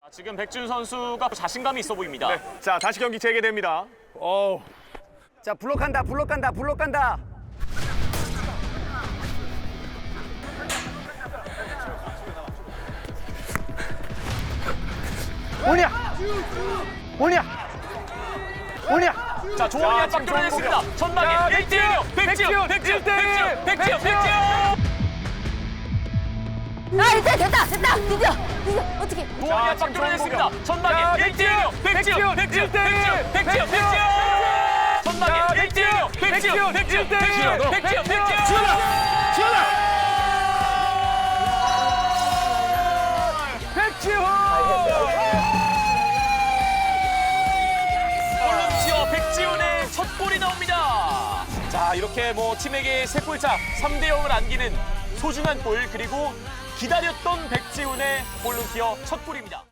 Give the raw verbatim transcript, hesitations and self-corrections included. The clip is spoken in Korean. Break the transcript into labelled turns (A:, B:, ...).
A: 지금 백준 선수가 자신감이 있어 보입니다.
B: 네. 자, 다시 경기 재개됩니다. 어,
C: 자, 블록 간다, 블록 간다, 블록 간다. 오냐! 오냐! 오냐!
A: 자, 조원이
B: 자,
A: 압박
B: 지금
A: 뚫어냈습니다.
B: 자,
A: 전방에 일 대 일이요.
B: 백지훈,
A: 백지훈, 백지훈,
B: 백지훈,
A: 백지훈, 백지훈,
B: 백지훈.
A: 백지훈.
D: 아, 됐다, 됐다, 됐다, 드디어, 드디어, 어떻게?
A: 조원이
B: 자,
A: 압박
B: 지금
A: 뚫어냈습니다.
B: 자,
A: 전방에 일 대 일이요. 백지훈, 백지훈, 백지훈, 백지훈, 백지훈, 백지훈. 전방에 일 대 일이요. 백지훈, 백지훈, 백지훈, 백지훈, 백지훈.
B: 지훈아! 지훈아! 백지훈!
A: 볼런티어 백지훈의 첫 골이 나옵니다. 자, 이렇게 뭐 팀에게 세 골차 삼 대 영을 안기는 소중한 골, 그리고 기다렸던 백지훈의 볼런티어 첫 골입니다.